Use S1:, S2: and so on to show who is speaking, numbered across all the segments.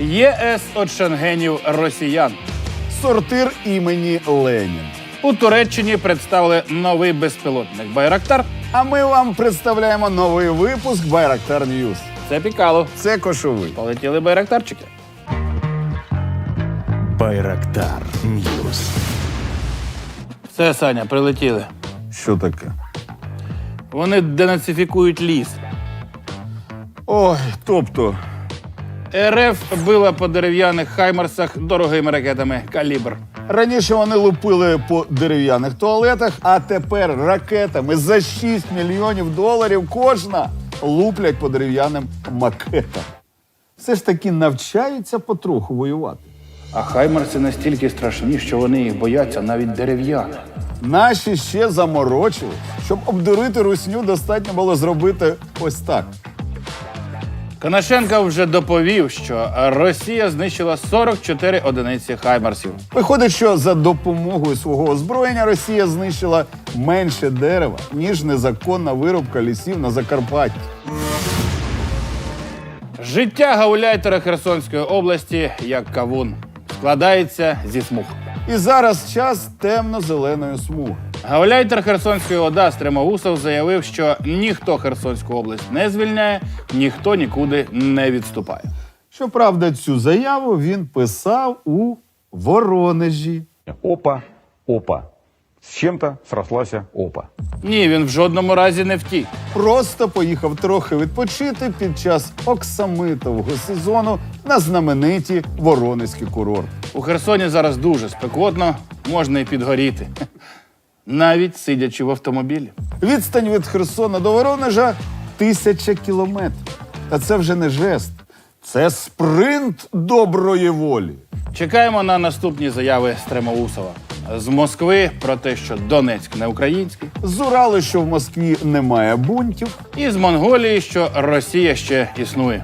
S1: ЄС від шенгенів росіян.
S2: Сортир імені Ленін.
S1: У Туреччині представили новий безпілотник «Байрактар».
S2: А ми вам представляємо новий випуск Байрактар Ньюс.
S1: Це Пікало.
S2: Це Кошовий.
S1: Полетіли байрактарчики.
S3: Байрактар Ньюс.
S1: Все, Саня, прилетіли.
S2: Що таке?
S1: Вони денацифікують ліс.
S2: Ой, тобто,
S1: РФ била по дерев'яних хаймарсах дорогими ракетами «Калібр».
S2: раніше вони лупили по дерев'яних туалетах, а тепер ракетами за 6 мільйонів доларів кожна луплять по дерев'яним макетам. Все ж таки навчаються потроху воювати.
S1: А хаймарси настільки страшні, що вони їх бояться навіть дерев'яних.
S2: Наші ще заморочили. Щоб обдурити русню, достатньо було зробити ось так.
S1: Конашенко вже доповів, що Росія знищила 44 одиниці хаймарсів.
S2: Виходить, що за допомогою свого озброєння Росія знищила менше дерева, ніж незаконна вирубка лісів на Закарпатті.
S1: Життя гауляйтера Херсонської області, як кавун, складається зі смуг.
S2: І зараз час темно-зеленої смуги.
S1: Гауляйтер Херсонської ОДА Стремоусов заявив, що ніхто Херсонську область не звільняє, ніхто нікуди не відступає.
S2: Щоправда, цю заяву він писав у Воронежі.
S4: Опа, опа. С чем-то срослась опа.
S1: Ні, він в жодному разі не втік.
S2: Просто поїхав трохи відпочити під час оксамитового сезону на знамениті Воронезькі курорти.
S1: У Херсоні зараз дуже спекотно, можна і підгоріти. Навіть сидячи в автомобілі.
S2: Відстань від Херсона до Воронежа 1000 кілометрів. Та це вже не жест. Це спринт доброї волі.
S1: Чекаємо на наступні заяви Стремоусова. З Москви про те, що Донецьк не український.
S2: З Уралу, що в Москві немає бунтів.
S1: І з Монголії, що Росія ще існує.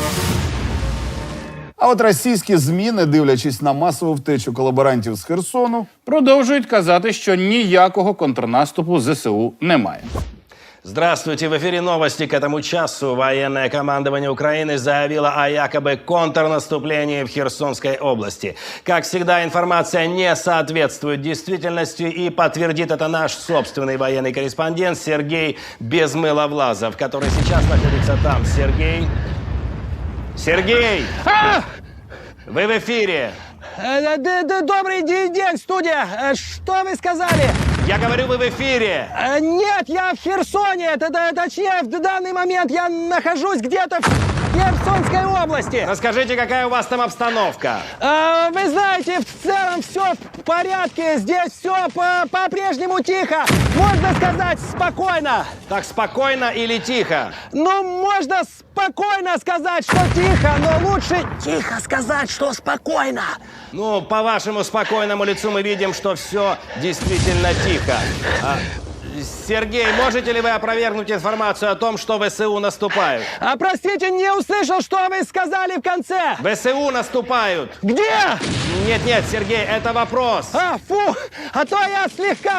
S2: А от російські ЗМІ, не дивлячись на масову втечу колаборантів з Херсону,
S1: Продовжують казати, що ніякого контрнаступу ЗСУ немає.
S5: Здравствуйте, в эфире новости. К этому часу военное командование Украины заявило о якобы контрнаступлении в Херсонской области. Как всегда, информация не соответствует действительности, и подтвердит это наш собственный военный корреспондент Сергей Безмыловлазов, который сейчас находится там. Сергей? Сергей! Вы в эфире!
S6: Добрый день, студия. Что вы сказали?
S5: Я говорю, вы в эфире!
S6: Нет, я в Херсоне. Точнее, в данный момент я нахожусь где-то в Херсонской области.
S5: Расскажите, какая у вас там обстановка?
S6: Вы знаете, в целом все в порядке. Здесь все по-прежнему тихо. Можно сказать, спокойно.
S5: Так спокойно или тихо?
S6: Ну, можно спокойно сказать, что тихо, но лучше тихо сказать, что спокойно.
S5: Ну, по вашему спокойному лицу мы видим, что все действительно тихо. Сергей, можете ли вы опровергнуть информацию о том, что ВСУ наступают?
S6: Простите, не услышал, что вы сказали в конце.
S5: ВСУ наступают.
S6: Где?
S5: Нет, Сергей, это вопрос.
S6: Фу, а то я слегка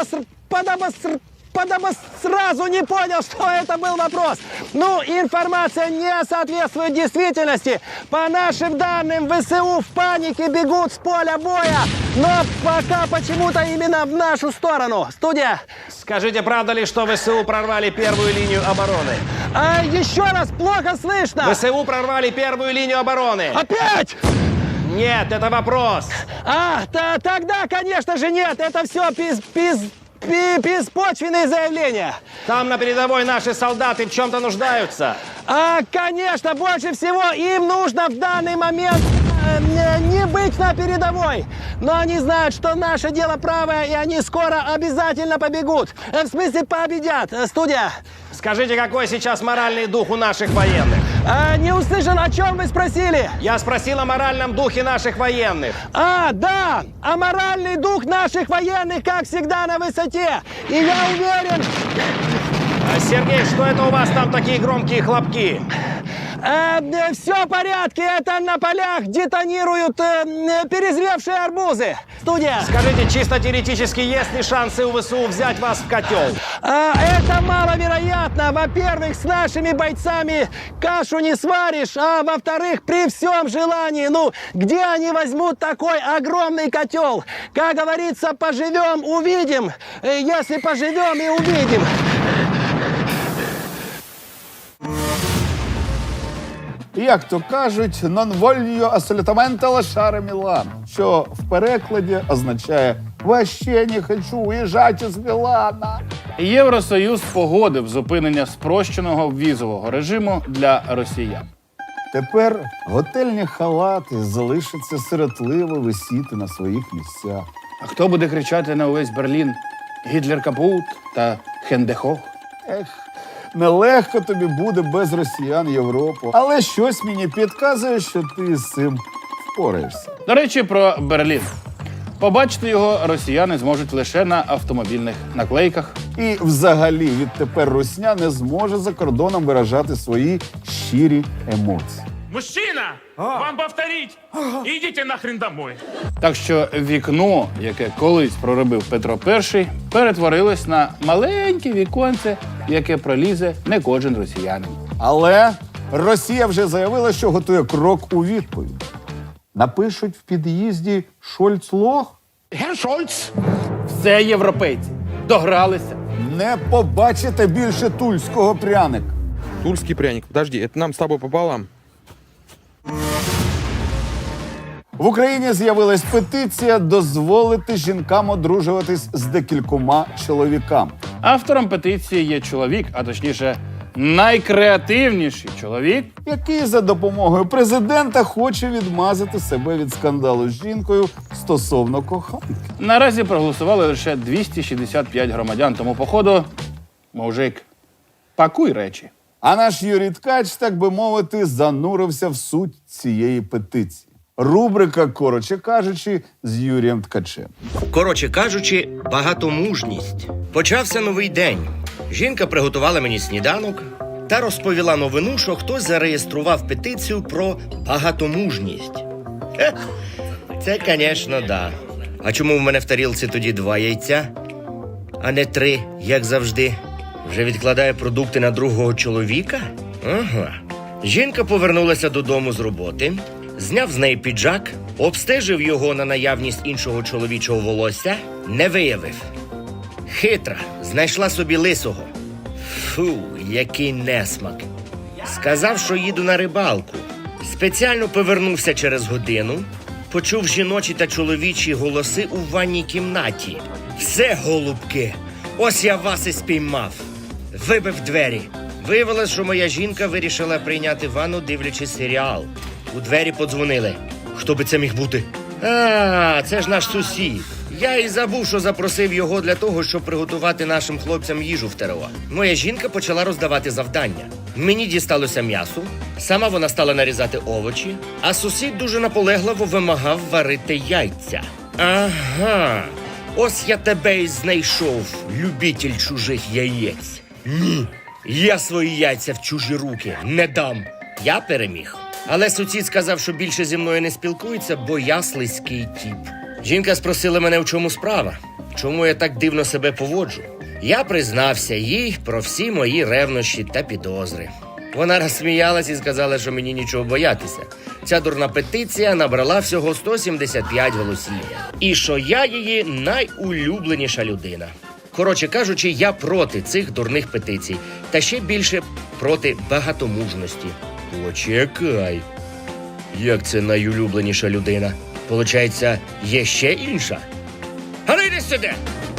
S6: сразу не понял, что это был вопрос. Ну, информация не соответствует действительности. По нашим данным, ВСУ в панике бегут с поля боя. Но пока почему-то именно в нашу сторону. Студия.
S5: Скажите, правда ли, что ВСУ прорвали первую линию обороны?
S6: Еще раз, плохо слышно.
S5: ВСУ прорвали первую линию обороны.
S6: Опять?
S5: Нет, это вопрос.
S6: Тогда, конечно же, нет. Это все беспочвенные заявления.
S5: Там на передовой наши солдаты в чем-то нуждаются.
S6: Конечно, больше всего им нужно в данный момент не быть на передовой. Но они знают, что наше дело правое, и они скоро обязательно побегут. В смысле, победят. Студия.
S5: Скажите, какой сейчас моральный дух у наших военных?
S6: Не услышал, о чем вы спросили?
S5: Я спросил о моральном духе наших военных.
S6: Да, а моральный дух наших военных, как всегда, на высоте. И я уверен...
S5: Сергей, что это у вас там такие громкие хлопки?
S6: Все в порядке, это на полях детонируют перезревшие арбузы. Студия.
S5: Скажите, чисто теоретически, есть ли шансы у ВСУ взять вас в котел?
S6: Это маловероятно. Во-первых, с нашими бойцами кашу не сваришь, а во-вторых, при всем желании, ну, где они возьмут такой огромный котел? Как говорится, поживем, увидим. Если поживем и увидим.
S2: Як то кажуть, non voglio assolutamente lasciare Мілан, що в перекладі означає «Вообще не хочу уїжджати з Мілана».
S1: Євросоюз погодив зупинення спрощеного візового режиму для росіян.
S2: Тепер готельні халати залишаться сиротливо висіти на своїх місцях.
S1: А хто буде кричати на увесь Берлін «Гітлер капут» та «Хендехох»?
S2: Ех, нелегко тобі буде без росіян Європу. Але щось мені підказує, що ти з цим впораєшся.
S1: До речі, про Берлін. Побачити його росіяни зможуть лише на автомобільних наклейках.
S2: І взагалі відтепер русня не зможе за кордоном виражати свої щирі емоції.
S7: Мужчина, вам повторить. Идите нахрен домой.
S1: Так що вікно, яке колись проробив Петро І, перетворилось на маленьке віконце, в яке пролізе не кожен росіянин.
S2: Але Росія вже заявила, що готує крок у відповідь. Напишуть в під'їзді «Шольц-лох»?
S1: Все європейці догралися.
S2: Не побачите більше тульського пряника.
S8: Тульский пряник. Подожди, это нам с тобой пополам.
S2: В Україні з'явилась петиція дозволити жінкам одружуватись з декількома чоловіками.
S1: Автором петиції є чоловік, а точніше, найкреативніший чоловік.
S2: Який за допомогою президента хоче відмазати себе від скандалу з жінкою стосовно коханки.
S1: Наразі проголосували лише 265 громадян, тому походу, мужик, пакуй речі.
S2: А наш Юрій Ткач, так би мовити, занурився в суть цієї петиції. Рубрика «Коротше кажучи» з Юрієм Ткачем.
S9: Коротше кажучи, багатомужність. Почався новий день. Жінка приготувала мені сніданок та розповіла новину, що хтось зареєстрував петицію про багатомужність. Хе, це, звісно, да. А чому в мене в тарілці тоді 2 яйця, а не 3, як завжди? Вже відкладає продукти на другого чоловіка? Ага. Жінка повернулася додому з роботи, зняв з неї піджак, обстежив його на наявність іншого чоловічого волосся, не виявив. Хитра, знайшла собі лисого. Фу, який несмак. Сказав, що їду на рибалку. Спеціально повернувся через годину, почув жіночі та чоловічі голоси у ванній кімнаті. Все, голубки, ось я вас і спіймав. Вибив двері. Виявилось, що моя жінка вирішила прийняти ванну, дивлячись серіал. У двері подзвонили. Хто би це міг бути? А, це ж наш сусід. Я і забув, що запросив його для того, щоб приготувати нашим хлопцям їжу в ТРО. Моя жінка почала роздавати завдання. Мені дісталося м'ясо, сама вона стала нарізати овочі, а сусід дуже наполегливо вимагав варити яйця. Ага, ось я тебе і знайшов, любитель чужих яєць. Ні, я свої яйця в чужі руки не дам. Я переміг. Але сусід сказав, що більше зі мною не спілкується, бо я слизький тіп. Жінка спросила мене, в чому справа, чому я так дивно себе поводжу. Я признався їй про всі мої ревнощі та підозри. Вона розсміялась і сказала, що мені нічого боятися. Ця дурна петиція набрала всього 175 голосів. І що я її найулюбленіша людина. Коротше кажучи, я проти цих дурних петицій. Та ще більше проти багатомужності. Почекай. Як це найулюбленіша людина? Получається, є ще інша? А ну йди сюди!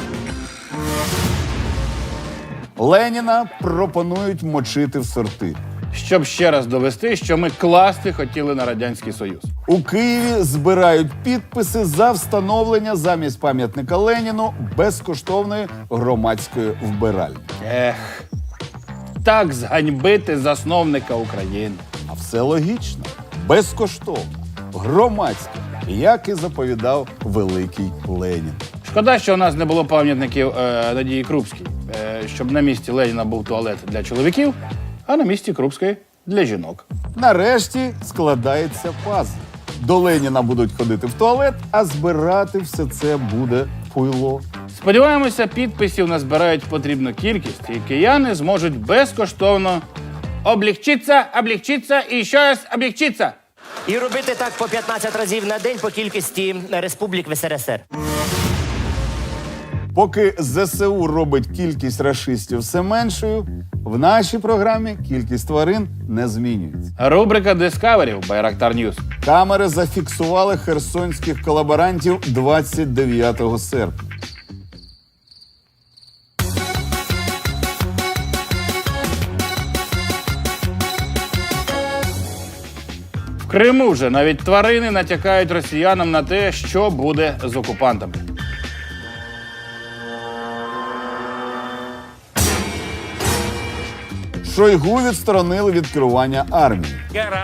S2: Леніна пропонують мочити в сорти.
S1: Щоб ще раз довести, що ми класти хотіли на Радянський Союз.
S2: У Києві збирають підписи за встановлення замість пам'ятника Леніну безкоштовної громадської вбиральні.
S1: Ех, так зганьбити засновника України.
S2: А все логічно. Безкоштовно. Громадське. Як і заповідав великий Ленін.
S1: Шкода, що у нас не було пам'ятників Надії Крупській, щоб на місці Леніна був туалет для чоловіків, а на місці Крупської – для жінок.
S2: Нарешті складається пазл. До Леніна будуть ходити в туалет, а збирати все це буде пуйло.
S1: Сподіваємося, підписів назбирають потрібну кількість, і кияни зможуть безкоштовно облегчитися і ще раз облегчитися.
S10: І робити так по 15 разів на день по кількості республік в СРСР.
S2: Поки ЗСУ робить кількість рашистів все меншою, в нашій програмі кількість тварин не змінюється.
S1: Рубрика Discovery в Байрактар News.
S2: Камери зафіксували херсонських колаборантів 29 серпня.
S1: В Криму вже навіть тварини натякають росіянам на те, що буде з окупантами.
S2: Шойгу відсторонили від керування армії.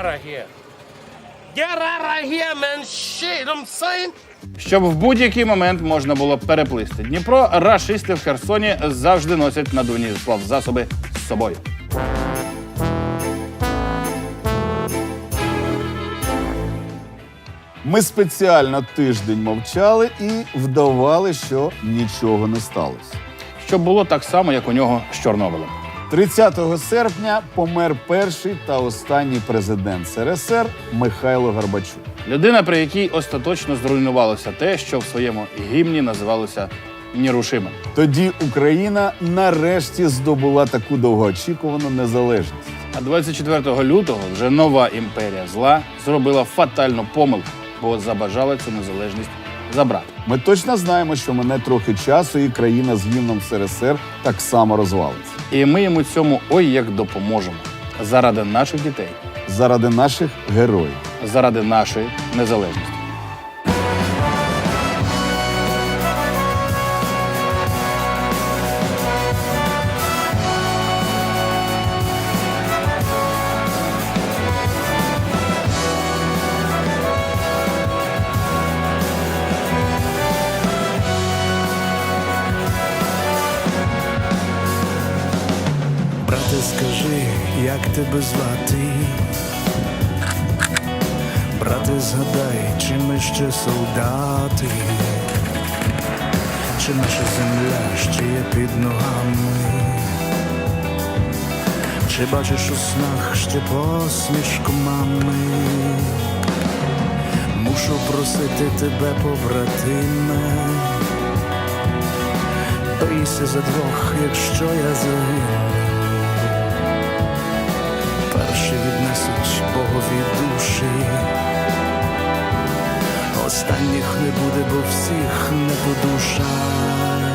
S1: Щоб в будь-який момент можна було переплисти Дніпро, рашисти в Херсоні завжди носять надувні плавзасоби з собою.
S2: Ми спеціально тиждень мовчали і вдавали, що нічого не сталося.
S1: Щоб було так само, як у нього з Чорнобилем.
S2: 30 серпня помер перший та останній президент СРСР Михайло Горбачук.
S1: Людина, при якій остаточно зруйнувалося те, що в своєму гімні називалося нерушимим.
S2: Тоді Україна нарешті здобула таку довгоочікувану незалежність.
S1: А 24 лютого вже нова імперія зла зробила фатальну помилку, бо забажала цю незалежність забрати.
S2: Ми точно знаємо, що мине трохи часу, і країна з гімном СРСР так само розвалиться.
S1: І ми йому цьому ой як допоможемо. Заради наших дітей,
S2: Заради наших героїв.
S1: заради нашої незалежності.
S3: Брате, скажи, як тебе звати? Брате, згадай, чи ми ще солдати? Чи наша земля ще є під ногами? Чи бачиш у снах ще посмішку мами? Мушу просити тебе, побратиме, бийся за двох, якщо я загину. Перші віднесуть Богові душі, останніх не буде, бо всіх не по душах.